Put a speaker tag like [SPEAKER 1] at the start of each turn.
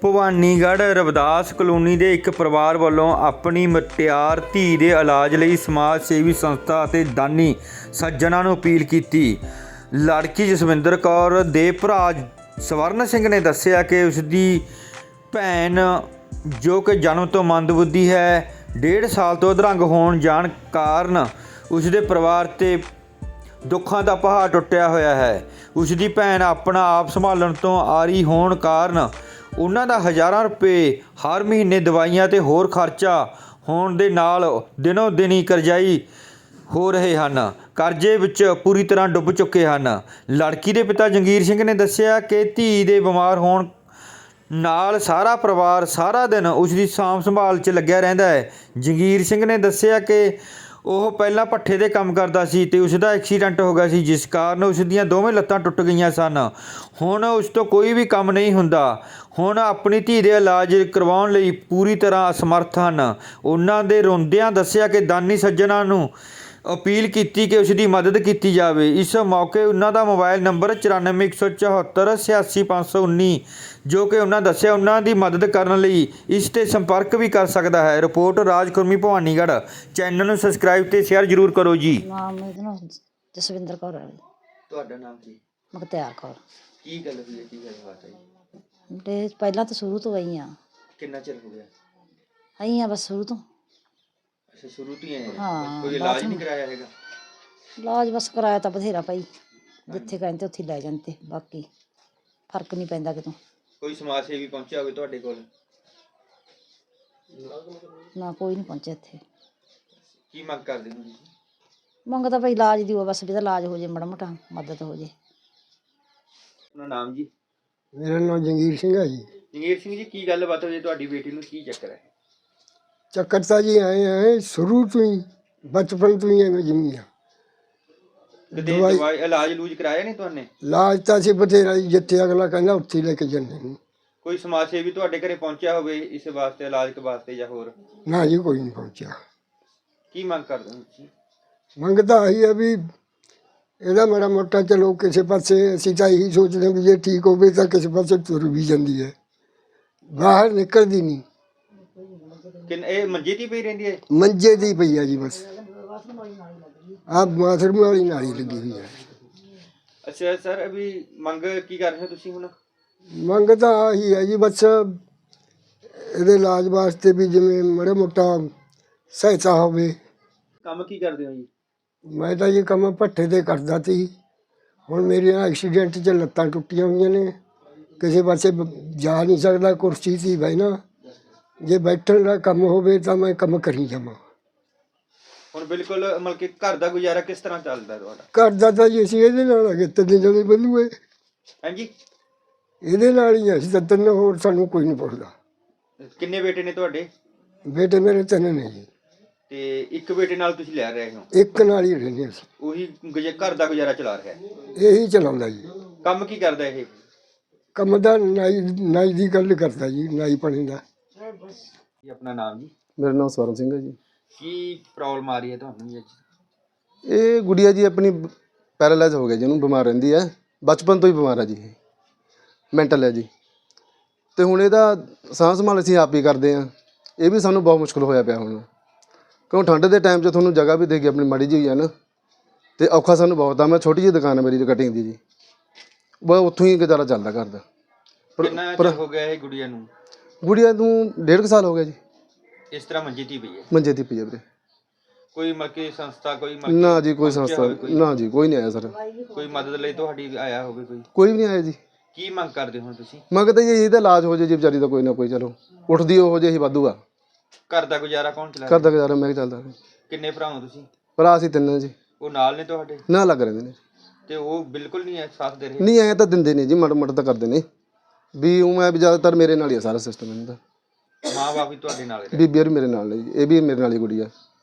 [SPEAKER 1] Bhawanigarh Ravidas colony ਦੇ ਇੱਕ ਪਰਿਵਾਰ ਵੱਲੋਂ ਆਪਣੀ ਮੁਟਿਆਰ ਧੀ ਦੇ ਇਲਾਜ ਲਈ ਸਮਾਜ ਸੇਵੀ ਸੰਸਥਾ ਅਤੇ ਦਾਨੀ ਸੱਜਣਾਂ ਨੂੰ ਅਪੀਲ ਕੀਤੀ। ਲੜਕੀ ਜਸਵਿੰਦਰ ਕੌਰ ਦੇ ਭਰਾ ਸਵਰਨ ਸਿੰਘ ਨੇ ਦੱਸਿਆ ਕਿ ਉਸ ਦੀ ਭੈਣ ਜੋ ਕਿ ਜਨਮ ਤੋਂ ਮੰਦਬੁੱਧੀ ਹੈ, 1.5 ਸਾਲ ਤੋਂ ਅਧਰੰਗ ਹੋਣ ਜਾਣ ਕਾਰਨ ਉਸ ਦੇ ਪਰਿਵਾਰ 'ਤੇ ਦੁੱਖਾਂ ਦਾ ਪਹਾੜ ਟੁੱਟਿਆ ਹੋਇਆ ਹੈ। ਉਸ ਦੀ ਭੈਣ ਆਪਣਾ ਆਪ ਸੰਭਾਲਣ ਤੋਂ ਆਰੀ ਹੋਣ ਕਾਰਨ ਉਹਨਾਂ ਦਾ ਹਜ਼ਾਰਾਂ ਰੁਪਏ ਹਰ ਮਹੀਨੇ ਦਵਾਈਆਂ ਤੇ ਹੋਰ ਖਰਚਾ ਹੋਣ ਦੇ ਨਾਲ ਦਿਨੋਂ ਦਿਨ ਹੀ ਕਰਜ਼ਾਈ ਹੋ ਰਹੇ ਹਨ। ਕਰਜ਼ੇ ਵਿੱਚ ਪੂਰੀ ਤਰ੍ਹਾਂ ਡੁੱਬ ਚੁੱਕੇ ਹਨ। ਲੜਕੀ ਦੇ ਪਿਤਾ ਜੰਗੀਰ ਸਿੰਘ ਨੇ ਦੱਸਿਆ ਕਿ ਧੀ ਦੇ ਬਿਮਾਰ ਹੋਣ ਨਾਲ ਸਾਰਾ ਪਰਿਵਾਰ ਸਾਰਾ ਦਿਨ ਉਸ ਦੀ ਸਾਂਭ ਸੰਭਾਲ 'ਚ ਲੱਗਿਆ ਰਹਿੰਦਾ ਹੈ। ਜੰਗੀਰ ਸਿੰਘ ਨੇ ਦੱਸਿਆ ਕਿ ਉਹ ਪਹਿਲਾਂ ਭੱਠੇ 'ਤੇ ਕੰਮ ਕਰਦਾ ਸੀ ਅਤੇ ਉਸ ਦਾ ਐਕਸੀਡੈਂਟ ਹੋ ਗਿਆ ਸੀ, ਜਿਸ ਕਾਰਨ ਉਸ ਦੀਆਂ ਦੋਵੇਂ ਲੱਤਾਂ ਟੁੱਟ ਗਈਆਂ ਸਨ। ਹੁਣ ਉਸ ਤੋਂ ਕੋਈ ਵੀ ਕੰਮ ਨਹੀਂ ਹੁੰਦਾ। ਹੁਣ ਆਪਣੀ ਧੀ ਦੇ ਇਲਾਜ ਕਰਵਾਉਣ ਲਈ ਪੂਰੀ ਤਰ੍ਹਾਂ ਅਸਮਰਥ ਹਨ। ਉਹਨਾਂ ਦੇ ਰੋਂਦਿਆਂ ਦੱਸਿਆ ਕਿ ਦਾਨੀ ਸੱਜਣਾਂ ਨੂੰ ਅਪੀਲ ਕੀਤੀ ਕਿ ਉਸ ਦੀ ਮਦਦ ਕੀਤੀ ਜਾਵੇ। ਇਸ ਮੌਕੇ ਉਹਨਾਂ ਦਾ ਮੋਬਾਈਲ ਨੰਬਰ 9414786519 ਜੋ ਕਿ ਉਹਨਾਂ ਦੱਸਿਆ ਉਹਨਾਂ ਦੀ ਮਦਦ ਕਰਨ ਲਈ ਇਸ 'ਤੇ ਸੰਪਰਕ ਵੀ ਕਰ ਸਕਦਾ ਹੈ। ਰਿਪੋਰਟ ਰਾਜ ਖੁਰਮੀ ਭਵਾਨੀਗੜ੍ਹ। ਚੈਨਲ ਨੂੰ ਸਬਸਕ੍ਰਾਈਬ ਤੇ ਸ਼ੇਅਰ ਜ਼ਰੂਰ ਕਰੋ ਜੀ।
[SPEAKER 2] ਨਾਮ ਇਹਦਾ ਨਾਮ ਜਸਵਿੰਦਰ ਕੌਰ ਹੈ।
[SPEAKER 1] ਤੁਹਾਡਾ ਨਾਮ ਕੀ?
[SPEAKER 2] ਮੁਖਤਿਆਰ ਕੌਰ।
[SPEAKER 1] ਕੀ ਗੱਲ ਹੋਈ ਹੈ? ਕੀ ਗੱਲਬਾਤ ਹੈ?
[SPEAKER 2] ਤੇ ਪਹਿਲਾਂ ਤਾਂ ਸ਼ੁਰੂ ਤੋਂ ਆਈ ਆ।
[SPEAKER 1] ਕਿੰਨਾ ਚਿਰ ਹੋ ਗਿਆ?
[SPEAKER 2] ਆਈ ਆ ਬਸ ਸ਼ੁਰੂ ਤੋਂ।
[SPEAKER 1] ਅੱਛਾ, ਸ਼ੁਰੂ ਤੋਂ ਹੀ ਆਏ?
[SPEAKER 2] ਹਾਂ,
[SPEAKER 1] ਕੋਈ ਇਲਾਜ ਨਹੀਂ ਕਰਾਇਆ ਹੈਗਾ?
[SPEAKER 2] ਇਲਾਜ ਬਸ ਕਰਾਇਆ ਤਾਂ ਬਥੇਰਾ ਭਾਈ, ਜਿੱਥੇ ਕਹਿੰਦੇ ਉੱਥੇ ਲੈ ਜਾਂਦੇ, ਬਾਕੀ ਫਰਕ ਨਹੀਂ ਪੈਂਦਾ ਕਿਤੋਂ।
[SPEAKER 1] ਕੋਈ ਸਮਾਜ ਸੇਵੀ ਪਹੁੰਚਿਆ ਹੋਵੇ ਤੁਹਾਡੇ ਕੋਲ?
[SPEAKER 2] ਨਾ ਕੋਈ ਨਹੀਂ ਪਹੁੰਚਿਆ ਇੱਥੇ।
[SPEAKER 1] ਕੀ ਮੰਗ ਕਰਦੇ ਹੋ ਤੁਸੀਂ?
[SPEAKER 2] ਮੰਗਦਾ ਭਾਈ ਇਲਾਜ ਦੀ ਹੋਵੇ, ਬਸ ਵੀ ਤਾਂ ਇਲਾਜ ਹੋ ਜੇ, ਮਾੜਾ ਮੋਟਾ ਮਦਦ ਹੋ ਜੇ।
[SPEAKER 1] ਆਪਣਾ ਨਾਮ ਜੀ?
[SPEAKER 3] ਮੇਰਾ ਨਾਮ ਜੰਗੀਰ ਸਿੰਘ ਹੈ ਜੀ।
[SPEAKER 1] ਜੰਗੀਰ ਸਿੰਘ ਜੀ, ਕੀ ਗੱਲਬਾਤ ਹੋਈ ਤੁਹਾਡੀ ਬੇਟੀ ਨੂੰ? ਕੀ ਚੱਕਰ ਹੈ?
[SPEAKER 3] ਚੱਕਰ ਤਾਂ ਜੀ ਆਏ ਸ਼ੁਰੂ ਤੋਂ ਹੀ, ਬਚਪਨ ਤੋਂ ਹੀ ਐਵੇਂ ਜਿੰਨੀ ਆ।
[SPEAKER 1] ਕਦੇ ਦਵਾਈ ਇਲਾਜ ਲੂਜ ਕਰਾਇਆ ਨਹੀਂ ਤੁਹਾਨੇ?
[SPEAKER 3] ਇਲਾਜ ਤਾਂ ਅਸੀਂ ਬਥੇਰਾ ਜੀ, ਜਿੱਥੇ ਅਗਲਾ ਕਹਿੰਦਾ ਉੱਥੇ ਲੈ ਕੇ ਜਾਂਦੇ ਨੇ।
[SPEAKER 1] ਕੋਈ ਸਮਾਜ ਸੇਵੀ ਤੁਹਾਡੇ ਘਰੇ ਪਹੁੰਚਿਆ ਹੋਵੇ ਇਸ ਵਾਸਤੇ, ਇਲਾਜ ਵਾਸਤੇ ਜਾਂ ਹੋਰ?
[SPEAKER 3] ਨਾ ਜੀ, ਕੋਈ ਨਹੀਂ ਪਹੁੰਚਿਆ।
[SPEAKER 1] ਕੀ ਮੰਗ ਕਰਦੇ ਹੋ ਤੁਸੀਂ?
[SPEAKER 3] ਮੰਗਦਾ ਆਹੀ ਆ ਵੀ ਇਹਦਾ ਮਾੜਾ ਮੋਟਾ ਚਲੋ ਕਿਸੇ ਪਾਸੇ, ਅਸੀਂ ਤਾਂ ਇਹੀ ਸੋਚਦੇ ਵੀ ਜੇ ਠੀਕ ਹੋਵੇ ਤਾਂ ਕਿਸੇ ਪਾਸੇ ਤੁਰ ਵੀ ਜਾਂਦੀ ਹੈ, ਬਾਹਰ ਨਿਕਲਦੀ ਨਹੀਂ।
[SPEAKER 1] ਇਹ ਮੰਜੇ 'ਤੇ ਪਈ ਰਹਿੰਦੀ ਹੈ?
[SPEAKER 3] ਮੰਜੇ ਦੀ ਪਈ ਆ ਜੀ ਬਸ। ਆਹ ਬਾਥਰੂਮ ਵਾਲੀ ਨਾਲੀ ਲੱਗੀ ਹੋਈ ਹੈ।
[SPEAKER 1] ਅੱਛਾ ਸਰ, ਅਭੀ ਮੰਗ ਕੀ ਕਰ ਰਹੇ ਹੋ ਤੁਸੀਂ ਹੁਣ?
[SPEAKER 3] ਮੰਗ ਤਾਂ ਆਹੀ ਹੈ ਜੀ ਬਸ, ਇਹਦੇ ਇਲਾਜ ਵਾਸਤੇ ਵੀ ਜਿਵੇਂ ਮਾੜਾ ਮੋਟਾ ਸਹਾਇਤਾ ਹੋਵੇ।
[SPEAKER 1] ਕੰਮ ਕੀ ਕਰਦੇ ਹੋ ਜੀ?
[SPEAKER 3] ਮੈਂ ਤਾਂ ਇਹ ਕੰਮ ਭੱਠੇ 'ਤੇ ਕਰਦਾ ਸੀ। ਹੁਣ ਮੇਰੇ ਐਕਸੀਡੈਂਟ 'ਚ ਲੱਤਾਂ ਟੁੱਟੀਆਂ ਹੋਈਆਂ ਨੇ, ਕਿਸੇ ਪਾਸੇ ਜਾ ਨਹੀਂ ਸਕਦਾ, ਕੁਰਸੀ 'ਤੇ ਬਹਿਣਾ। ਜੇ ਬੈਠਣ ਦਾ ਕੰਮ ਹੋਵੇ ਤਾਂ ਮੈਂ ਕੰਮ ਕਰੀ ਜਾਵਾਂ।
[SPEAKER 1] ਹੁਣ ਬਿਲਕੁਲ ਮਤਲਬ ਕਿ ਘਰ ਦਾ ਗੁਜ਼ਾਰਾ ਕਿਸ ਤਰ੍ਹਾਂ ਚੱਲਦਾ ਤੁਹਾਡਾ?
[SPEAKER 3] ਘਰ ਦਾ ਤਾਂ ਜੀ ਅਸੀਂ ਇਹਦੇ ਨਾਲ ਅਗੇ ਤਿੰਨ ਜਣੇ ਬੰਦੂਏ,
[SPEAKER 1] ਹਾਂਜੀ,
[SPEAKER 3] ਇਹਦੇ ਨਾਲ ਹੀ ਅਸੀਂ ਤਾਂ ਤਿੰਨ, ਹੋਰ ਸਾਨੂੰ ਕੋਈ ਨਹੀਂ ਪੁੱਛਦਾ।
[SPEAKER 1] ਕਿੰਨੇ ਬੇਟੇ ਨੇ ਤੁਹਾਡੇ?
[SPEAKER 3] ਬੇਟੇ ਮੇਰੇ ਤਿੰਨ ਨੇ ਜੀ।
[SPEAKER 1] ਤੇ ਇੱਕ ਬੇਟੇ ਨਾਲ ਤੁਸੀਂ ਲੈ ਰਹੇ ਹੋ?
[SPEAKER 3] ਇੱਕ ਨਾਲ ਹੀ ਰਹਿੰਦੇ ਅਸੀਂ।
[SPEAKER 1] ਉਹੀ ਘਰ ਦਾ ਗੁਜ਼ਾਰਾ ਚਲਾ ਰਿਹਾ ਹੈ?
[SPEAKER 3] ਇਹੀ ਚਲਾਉਂਦਾ ਜੀ।
[SPEAKER 1] ਕੰਮ ਕੀ ਕਰਦਾ ਇਹ?
[SPEAKER 3] ਕੰਮ ਦਾ ਨਾਈ ਦੀ ਗੱਲ ਕਰਦਾ ਜੀ, ਨਾਈ ਪਾਣੀ ਦਾ।
[SPEAKER 1] ਜੀ ਆਪਣਾ ਨਾਮ ਜੀ?
[SPEAKER 4] ਮੇਰਾ ਨਾਮ ਸਵਰਨ ਸਿੰਘ ਹੈ ਜੀ।
[SPEAKER 1] ਕੀ ਪ੍ਰੋਬਲਮ ਆ ਰਹੀ ਹੈ ਤੁਹਾਨੂੰ ਜੀ ਅੱਜ?
[SPEAKER 4] ਇਹ ਗੁੜੀਆ ਜੀ ਆਪਣੀ ਪੈਰਾਲਾਈਜ਼ ਹੋ ਗਿਆ ਜੀ, ਇਹਨੂੰ ਬਿਮਾਰ ਰਹਿੰਦੀ ਹੈ, ਬਚਪਨ ਤੋਂ ਹੀ ਬਿਮਾਰ ਹੈ ਜੀ, ਇਹ ਮੈਂਟਲ ਹੈ ਜੀ। ਅਤੇ ਹੁਣ ਇਹਦਾ ਸਾਂਭ ਸੰਭਾਲ ਅਸੀਂ ਆਪ ਹੀ ਕਰਦੇ ਹਾਂ। ਇਹ ਵੀ ਸਾਨੂੰ ਬਹੁਤ ਮੁਸ਼ਕਿਲ ਹੋਇਆ ਪਿਆ ਹੁਣ, ਕਿਉਂ ਠੰਡ ਦੇ ਟਾਈਮ 'ਚ ਤੁਹਾਨੂੰ ਜਗ੍ਹਾ ਵੀ ਦੇ ਗਈ ਆਪਣੀ ਮਾੜੀ ਜਿਹੀ ਹੈ ਨਾ, ਅਤੇ ਔਖਾ ਸਾਨੂੰ ਬਹੁਤ ਆ। ਮੈਂ ਛੋਟੀ ਜਿਹੀ ਦੁਕਾਨ ਹੈ ਮੇਰੀ ਕਟਿੰਗ ਦੀ ਜੀ, ਬਸ ਉੱਥੋਂ ਹੀ ਗੁਜ਼ਾਰਾ ਚੱਲਦਾ ਕਰਦਾ।
[SPEAKER 1] ਕਿੰਨਾ ਚਿਰ ਹੋ ਗਿਆ ਇਹ ਗੁੜੀਆ ਨੂੰ?
[SPEAKER 4] ਗੁੜੀਆ ਨੂੰ 1.5 ਸਾਲ ਹੋ ਗਿਆ ਜੀ।
[SPEAKER 1] ਇਸ ਤਰ੍ਹਾਂ ਮੰਜੀ 'ਤੇ ਪਈ ਹੈ?
[SPEAKER 4] ਮੰਜੇ ਦੀ ਪਈ ਹੈ ਵੀਰੇ।
[SPEAKER 1] ਕੋਈ ਮਲਕੀ ਸੰਸਥਾ ਕੋਈ
[SPEAKER 4] ਨਾ ਜੀ, ਕੋਈ ਸੰਸਥਾ ਨਾ ਜੀ, ਕੋਈ ਨਹੀਂ ਆਇਆ ਸਰ।
[SPEAKER 1] ਕੋਈ ਮਦਦ ਲਈ ਤੁਹਾਡੀ ਆਇਆ ਹੋਵੇ ਕੋਈ?
[SPEAKER 4] ਕੋਈ ਵੀ ਨਹੀਂ ਆਇਆ ਜੀ।
[SPEAKER 1] ਕੀ ਮੰਗ ਕਰਦੇ ਹੋ ਤੁਸੀਂ?
[SPEAKER 4] ਮੰਗਦੇ ਜੀ ਇਹਦਾ ਇਲਾਜ ਹੋ ਜੇ ਜੀ ਵਿਚਾਰੀ ਦਾ, ਕੋਈ ਨਾ ਕੋਈ, ਚਲੋ ਉੱਠਦੀ ਹੋ ਜੇ, ਅਸੀਂ ਵਾਧੂ ਆ।
[SPEAKER 1] ਘਰ ਦਾ ਗੁਜ਼ਾਰਾ ਕੌਣ ਚਲਾ
[SPEAKER 4] ਘਰ ਦਾ ਗੁਜ਼ਾਰਾ ਮੈਂ ਚੱਲਦਾ।
[SPEAKER 1] ਕਿੰਨੇ ਭਰਾ ਹੋ ਤੁਸੀਂ?
[SPEAKER 4] ਭਰਾ ਅਸੀਂ ਤਿੰਨ ਜੀ।
[SPEAKER 1] ਉਹ ਨਾਲ ਨੇ ਤੁਹਾਡੇ?
[SPEAKER 4] ਨਾ ਲੱਗ ਰਹਿੰਦੇ ਨੇ
[SPEAKER 1] ਤੇ ਉਹ ਬਿਲਕੁਲ ਨਹੀਂ ਸਾਥ ਦੇ ਰਹੇ?
[SPEAKER 4] ਨਹੀਂ, ਐਂ ਤਾਂ ਦਿੰਦੇ ਨੇ ਜੀ, ਮਾੜਾ ਮੋਟਾ ਤਾਂ ਕਰਦੇ ਨੇ ਵੀ। ਉਹ ਮੈਂ ਵੀ ਜ਼ਿਆਦਾਤਰ ਮੇਰੇ ਨਾਲ ਹੀ ਆ ਸਾਰਾ ਸਿਸਟਮ ਇਹਨਾਂ ਦਾ।
[SPEAKER 1] ਮਾਂ ਬਾਪ ਵੀ ਤੁਹਾਡੇ ਨਾਲ?
[SPEAKER 4] ਬੀਬੀ ਵੀ ਮੇਰੇ ਨਾਲ ਨੇ ਜੀ, ਇਹ ਵੀ ਮੇਰੇ ਨਾਲ ਹੀ ਗੁੜੀਆ।